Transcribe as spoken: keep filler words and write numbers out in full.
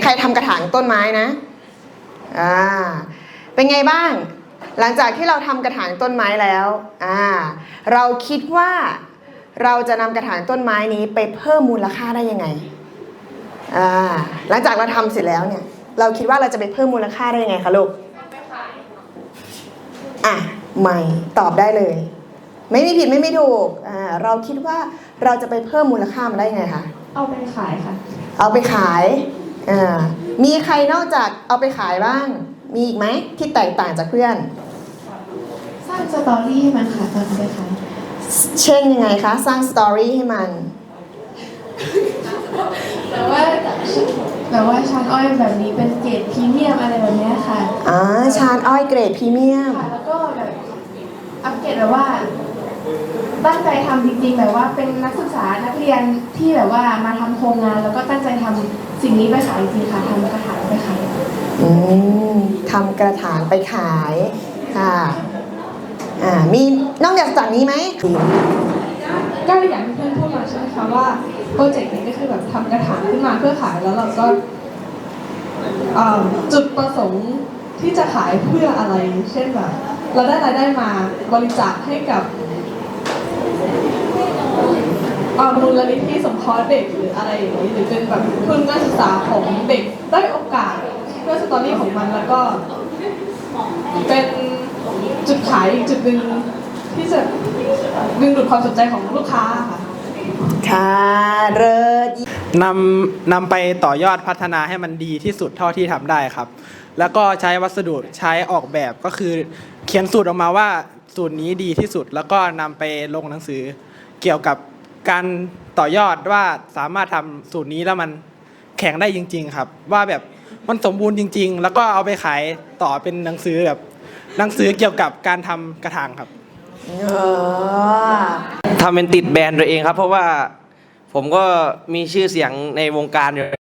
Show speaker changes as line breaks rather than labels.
รทำกระถางต้นไม้นะอ่าเป็นไงบ้างหลังจากที่เราทำกระถางต้นไม้แล้วอ่าเราคิดว่าเราจะนำกระถางต้นไม้นี้ไปเพิ่มมูลค่าได้ยังไงอ่าหลังจากเราทำเสร็จแล้วเนี่ยเราคิดว่าเราจะไปเพิ่มมูลค่าได้ยังไงคะลูกอ่ะไม่ตอบได้เลยไม่มีผิดไม่มีถูกอ่าเราคิดว่าเราจะไปเพิ่มมูลค่ามันได้ยังไงคะ
เอาไปขายค่ะ
เอาไปขายอ่ามีใครนอกจากเอาไปขายบ้างมีอีกไหมที่แตกต่างจากเพื่อน
สร้างสตอรี่ให้มันค่ะตอนเอาไปขาย
เช่นยังไงคะสร้างสตอรี่ให้มัน
แต่ว่าแต่ว่าชานอ้อยแบบนี้เป็นเกรดพรีเมียมอะไรแบบนี้ค่ะ
อ่าชานอ้อยเกรดพรีเมียม
แล้วก็แบบอัปเกรดแบบว่าตั้งใจทำจริงๆแบบว่าเป็นนักศึกษานักเรียนที่แบบว่ามาทำโครงงานแล้วก็ตั้งใจทำสิ่งนี้ไปขายจริงๆค่ะทำกระถางไปขาย
อืมทำกระถางไปขายค่ะอ่ามีนอกจากนี้ไหม
ก็อย่างที่เพื่อนพูดมาใช่ไหมคะว่าโปรเจกต์นี้ก็คือแบบทำกระถางขึ้นมาเพื่อขายแล้วเราก็จุดประสงค์ที่จะขายเพื่ออะไรเช่นแบบเราได้รายได้มาบริจาคให้กับมูลนิธิสงเคราะห์เด็กหรืออะไรอย่างนี้หรือเป็นแบบทุนการศึกษาของเด็กได้โอกาสเพื่อสตอรี่ของมันแล้วก็เป็นจุดขายอีกจุดหนึ่งที่จะดึงดูดความสนใจของลูกค้าค่ะ
ค่ะเลิศ
นำนำไปต่อยอดพัฒนาให้มันดีที่สุดเท่าที่ทำได้ครับแล้วก็ใช้วัสดุใช้ออกแบบก็คือเขียนสูตรออกมาว่าสูตรนี้ดีที่สุดแล้วก็นำไปลงหนังสือเกี่ยวกับการต่อยอดว่าสามารถทำสูตรนี้แล้วมันแข็งได้จริงๆครับว่าแบบมันสมบูรณ์จริงๆแล้วก็เอาไปขายต่อเป็นหนังสือแบบหนังสือเกี่ยวกับการทำกระถางครับ
ทำเป็นติดแบรนด์ตัวเองครับเพราะว่าผมก็มีชื่อเสียงในวงการอยู่